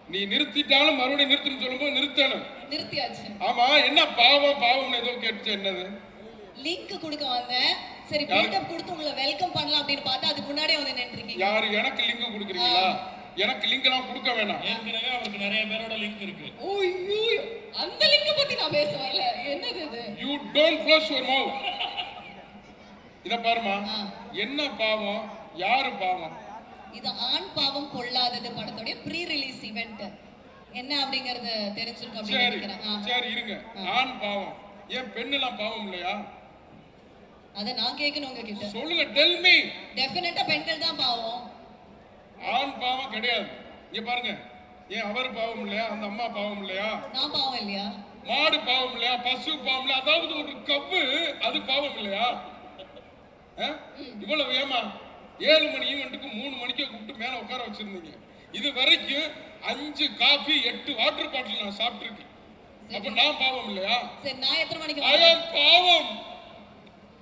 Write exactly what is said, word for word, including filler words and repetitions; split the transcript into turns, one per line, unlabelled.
நீ நிறுத்திட்டாலும் மறுபடியும் நிறுத்துன்னு சொல்லும்போது நிறுத்தணும்.
நிறுத்தியாச்சு.
ஆமா, என்ன பாவம் பாவம்னு ஏதோ கேட்டுச்சு, என்னது?
லிங்க் கொடுக்க வந்தேன். சரி பில்டப் கொடுத்து உங்களை வெல்கம் பண்ணலாம் அப்படின்னு பார்த்தா அதுக்கு முன்னாடியே வந்து நின்னுட்டீங்க.
யாரு எனக்கு லிங்க் கொடுக்குறீங்களா? எனக்கு லிங்க் எல்லாம் கொடுக்க வேணாம்.
ஏற்கனவே அவருக்கு நிறைய பேரோட லிங்க் இருக்கு.
ஓய்யோ, அந்த லிங்க் பத்தி நான் பேச வரல. என்னது இது?
You don't close your mouth. இத பாருமா, என்ன பாவம், யாரு பாவம்?
இது ஆண் பாவம் கொள்ளாதது படத்தோட ப்ரீ ரிலீஸ் ஈவென்ட். என்ன அப்படிங்கறது தெரிஞ்சிருக்கும் அப்படி நினைக்கிறேன்.
சரி இருங்க. ஆண் பாவம், ஏன் பெண்ணெல்லாம் பாவம் இல்லையா?
அத நான் கேட்கணும் உங்ககிட்ட.
சொல்லுங்க, டெல் மீ.
டெஃபினட்டா பெண்கள் தான் பாவம்.
ஆண் பாவம் கிடையாது. இங்க பாருங்க, ஏன் அவர் பாவம் இல்லையா? அந்த அம்மா பாவம் இல்லையா?
நான் பாவம் இல்லையா?
மாடு பாவம் இல்லையா? பசு பாவம் இல்லையா? அதாவது ஒரு கவ்வு அது பாவம் இல்லையா? இவ்வளவு ஏமா ஏழு மணி ஈவெண்ட்டுக்கு மூணு மணிக்கு கூப்பிட்டு மேல உட்கார வச்சிருந்தீங்க. இது வரைக்கும் அஞ்சு காபி எட்டு வாட்டர் பாட்டில் நான் சாப்பிட்டு இருக்கேன். அப்ப நான் பாவம் இல்லையா?
சரி, நான் எத்தனை மணிக்கு
பாவம்